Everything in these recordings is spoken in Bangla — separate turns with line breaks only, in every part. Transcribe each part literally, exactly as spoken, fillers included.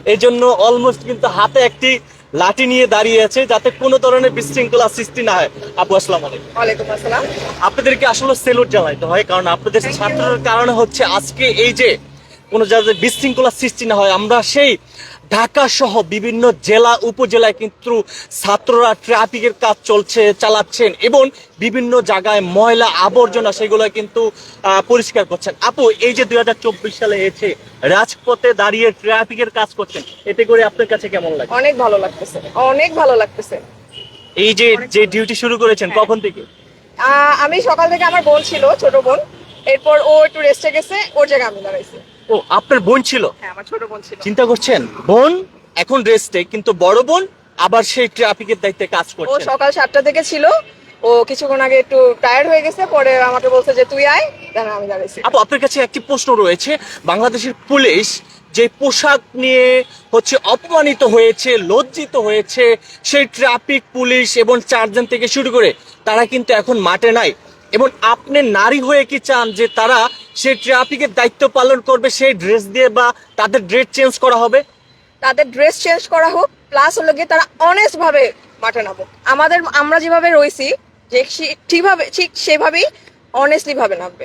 এই জন্য অলমোস্ট কিন্তু হাতে একটি লাঠি নিয়ে দাঁড়িয়ে আছে যাতে কোনো ধরনের বিশৃঙ্খলা সৃষ্টি না হয়। আপু আসসালামু আলাইকুম।
ওয়ালাইকুম আসসালাম।
আপনাদেরকে আসলে সেলুট জানাইতে হয়, কারণ আপনাদের ছাত্রের কারণে হচ্ছে আজকে এই যে কোনো যাতে বিশৃঙ্খলা সৃষ্টি না হয়। আমরা সেই ঢাকা সহ বিভিন্ন জেলা উপজেলায় কিন্তু ছাত্ররা ট্রাফিকের কাজ চলছে চালাচ্ছেন এবং বিভিন্ন জায়গায় ময়লা আবর্জনা সেগুলো কিন্তু আহ, পরিষ্কার করছেন। আপু, এই যে দুই হাজার চব্বিশ সালে এসে রাজপথে দাঁড়িয়ে ট্রাফিকের কাজ করছেন, এতে করে আপনার কাছে কেমন লাগে?
অনেক ভালো লাগতেছে, অনেক ভালো লাগতেছে।
এই যে যে ডিউটি শুরু করেছেন কখন থেকে?
আহ, আমি সকাল থেকে, আমার বোন ছিল, ছোট বোন, এরপর ও একটু রেস্টে গেছে, ওর জায়গায় আমি দাঁড়াইছি।
ও, আপনার বোন ছিল?
হ্যাঁ, আমার ছোট বোন ছিল।
চিন্তা করছেন, বোন এখন রেস্টে কিন্তু বড় বোন আবার সেই ট্রাফিকের দায়িত্বে কাজ
ও
করছে।
সকাল সাতটা থেকে ছিল, ও কিছুক্ষণ আগে একটু টায়ার্ড হয়ে গেছে, পরে আমাকে বলছে যে তুই আয়, দাঁড়া আমি দাঁড়াইছি।
আপু, আপনার কাছে একটি প্রশ্ন রয়েছে। বাংলাদেশের পুলিশ যে পোশাক নিয়ে হচ্ছে অপমানিত হয়েছে, লজ্জিত হয়েছে, সেই ট্রাফিক পুলিশ এবং চারজন থেকে শুরু করে তারা কিন্তু এখন মাঠে নাই, এবং আপনি নারী হয়ে কি চান যে তারা সেই ট্রাফিকের দায়িত্ব পালন করবে সেই ড্রেস দিয়ে, বা তাদের ড্রেস চেঞ্জ করা হবে?
তাদের ড্রেস চেঞ্জ করা হোক, প্লাস হলো গিয়ে তারা অনেস্ট ভাবে মাঠে নামো। আমাদের, আমরা যেভাবে রয়েছি যে সে- ঠিকভাবে, ঠিক সেভাবেই অনেস্টলি ভাবে নামবে।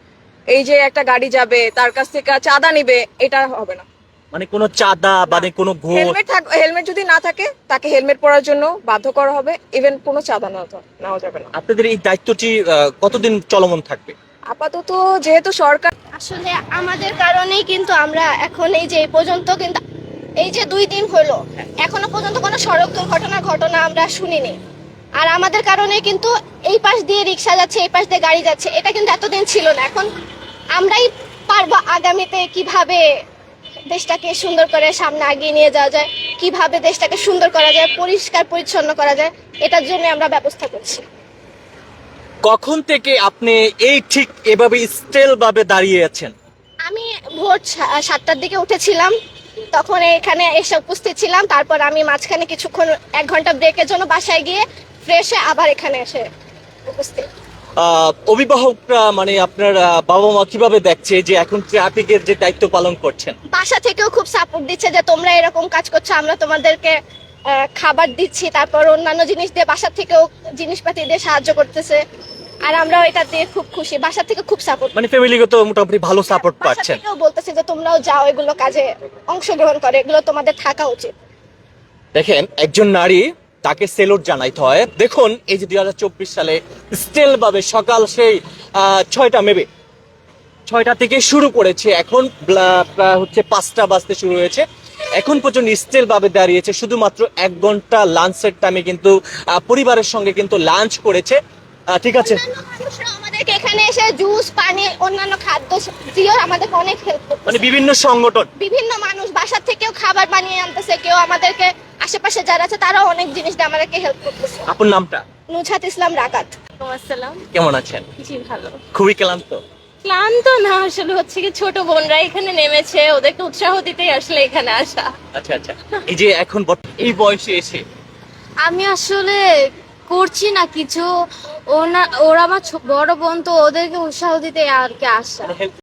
এই যে একটা গাড়ি যাবে, তার কাছ থেকে চাঁদা নিবে, এটা হবে না।
মানে কোনো চাঁদা মানে কোনো ঘুষ?
হেলমেট থাক, হেলমেট যদি না থাকে তাকে হেলমেট পরার জন্য বাধ্য করা হবে, ইভেন কোনো চাঁদা না নেওয়া যাবে না।
আপনাদের এই দায়িত্বটি আহ, কতদিন চলমান থাকবে?
আপাতত যেহেতু সরকার,
আসলে আমাদের কারণেই কিন্তু আমরা এখন এই যে এই পর্যন্ত কিন্তু এই যে দুই দিন হলো এখনো পর্যন্ত কোনো সড়ক দুর্ঘটনার ঘটনা আমরা শুনিনি। আর আমাদের কারণে কিন্তু এই পাশ দিয়ে রিক্সা যাচ্ছে, এই পাশ দিয়ে গাড়ি যাচ্ছে, এটা কিন্তু এতদিন ছিল না। এখন আমরাই পারবো আগামীতে কিভাবে দেশটাকে সুন্দর করে সামনে এগিয়ে নিয়ে যাওয়া যায়, কিভাবে দেশটাকে সুন্দর করা যায়, পরিষ্কার পরিচ্ছন্ন করা যায়, এটার জন্য আমরা ব্যবস্থা করছি।
কখন থেকে আপনি এই ঠিক এভাবে স্টেল ভাবে দাঁড়িয়ে আছেন?
আমি ভোর সা- সাতটার দিকে উঠেছিলাম, তখন এখানে এসে উপস্থিত ছিলাম। তারপর আমি মাঝখানে কিছুক্ষণ এক ঘন্টা ব্রেকের জন্য বাসায় গিয়ে ফ্রেশ হয়ে আবার এখানে এসে উপস্থিত।
আহ, অভিভাবকরা মানে আপনার আহ, বাবা মা কিভাবে দেখছে যে এখন ট্রাফিকের যে দায়িত্ব পালন করছেন?
বাসা থেকেও খুব সাপোর্ট দিচ্ছে যে তোমরা এরকম কাজ করছো, আমরা তোমাদেরকে আহ, খাবার দিচ্ছি, তারপর অন্যান্য জিনিস দিয়ে বাসা থেকেও জিনিসপাতি দিয়ে সাহায্য করতেছে। আর আমরাও এটা দিয়ে খুব খুশি, বাসা থেকে খুব সাপোর্ট।
মানে ফ্যামিলিগত মোটামুটি ভালো সাপোর্ট পাচ্ছেন?
বলতেছে যে তোমরাও যাও, এগুলো কাজে অংশগ্রহণ করে, এগুলো তোমাদের থাকা উচিত।
দেখেন, একজন নারী, তাকে সেলুট জানাইতে হয়। দেখুন, এই যে দুই হাজার চব্বিশ সালে স্টেল ভাবে সকাল সেই আহ, ছয়টা মেবে ছয়টা থেকে শুরু করেছে, এখন ব্লা- প্রায় হচ্ছে পাঁচটা বাজতে শুরু হয়েছে, এখন পর্যন্ত স্টেল ভাবে দাঁড়িয়েছে। শুধুমাত্র এক ঘন্টা লাঞ্চের টাইমে কিন্তু আহ, পরিবারের সঙ্গে কিন্তু লাঞ্চ করেছে। আহ, ঠিক আছে,
অন্যান্য মানুষরা আমাদেরকে এখানে এসে জুস, পানি, অন্যান্য খাদ্য দিয়েও আমাদেরকে অনেক হেল্প
মানে
করতেছে।
বিভিন্ন সংগঠন,
বিভিন্ন মানুষ বাসা থেকেও খাবার বানিয়ে আনতেছে, কেউ আমাদেরকে আশেপাশে যারা আছে তারাও অনেক জিনিস দিয়ে আমাদেরকে হেল্প করতেছে।
আপনার নামটা?
নুজহাত ইসলাম রাকাত।
আসসালাম।
কেমন আছেন?
জি ভালো।
খুবই ক্লান্ত?
ক্লান্ত না, আসলে হচ্ছে কি ছোট বোনরা এখানে নেমেছে, ওদেরকে উৎসাহ দিতেই আসলে এখানে আসা।
আচ্ছা আচ্ছা, এই যে এখন বর্ত- এই বয়সে এসে
আমি আসলে করছি না কিছু, ওনা ওরা আমার ছো- বড় বোন, তো ওদেরকে উৎসাহ দিতে আর কি আসা।
মানে help